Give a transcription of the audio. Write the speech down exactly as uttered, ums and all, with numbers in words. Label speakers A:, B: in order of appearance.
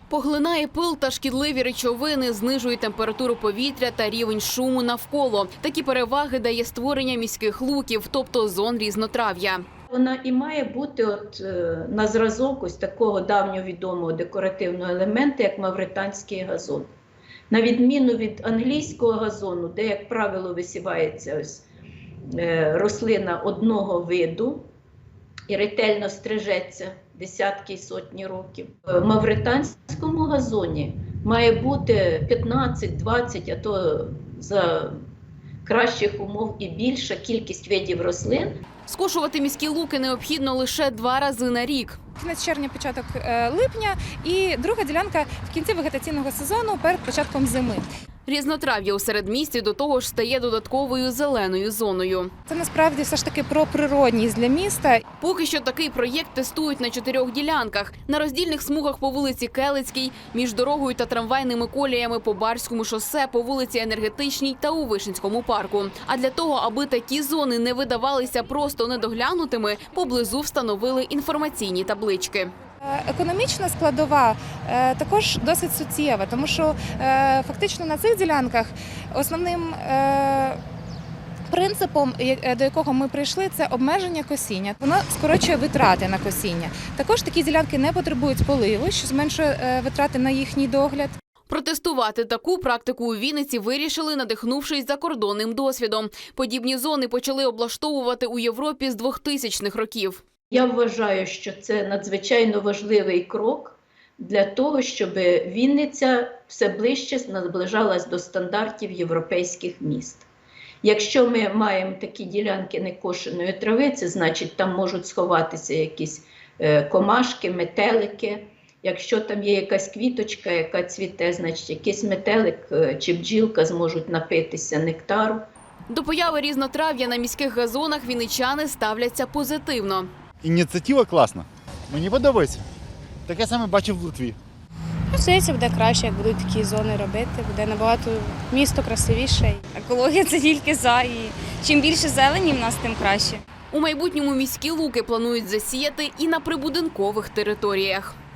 A: Поглинає пил та шкідливі речовини, знижує температуру повітря та рівень шуму навколо. Такі переваги дає створення міських луків, тобто зон різнотрав'я.
B: Вона і має бути от, на зразок ось такого давньовідомого декоративного елементу, як мавританський газон. На відміну від англійського газону, де, як правило, висівається ось, е, рослина одного виду і ретельно стрижеться десятки і сотні років. В мавританському газоні має бути п'ятнадцять двадцять, а то за кращих умов і більша кількість видів рослин.
A: Скошувати міські луки необхідно лише два рази на рік.
C: Кінець червня, початок липня і друга ділянка в кінці вегетаційного сезону перед початком зими.
A: Різнотрав'я у середмісті до того ж стає додатковою зеленою зоною.
C: Це насправді все ж таки про природність для міста.
A: Поки що такий проєкт тестують на чотирьох ділянках. На роздільних смугах по вулиці Келицькій, між дорогою та трамвайними коліями по Барському шосе, по вулиці Енергетичній та у Вишенському парку. А для того, аби такі зони не видавалися просто недоглянутими, поблизу встановили інформаційні таблички.
C: Економічна складова е, також досить суттєва, тому що е, фактично на цих ділянках основним е, принципом, до якого ми прийшли, це обмеження косіння. Воно скорочує витрати на косіння. Також такі ділянки не потребують поливу, що зменшує е, витрати на їхній догляд.
A: Протестувати таку практику у Вінниці вирішили, надихнувшись закордонним досвідом. Подібні зони почали облаштовувати у Європі з двохтисячних років.
B: Я вважаю, що це надзвичайно важливий крок для того, щоб Вінниця все ближче наближалась до стандартів європейських міст. Якщо ми маємо такі ділянки некошеної трави, це значить, там можуть сховатися якісь комашки, метелики. Якщо там є якась квіточка, яка цвіте, значить якийсь метелик чи бджілка зможуть напитися нектару.
A: До появи різнотрав'я на міських газонах вінничани ставляться позитивно.
D: Ініціатива класна. Мені подобається. Таке саме бачив в Литві.
E: Здається, буде краще, як будуть такі зони робити. Буде набагато місто красивіше.
F: Екологія – це тільки за. І чим більше зелені в нас, тим краще.
A: У майбутньому міські луки планують засіяти і на прибудинкових територіях.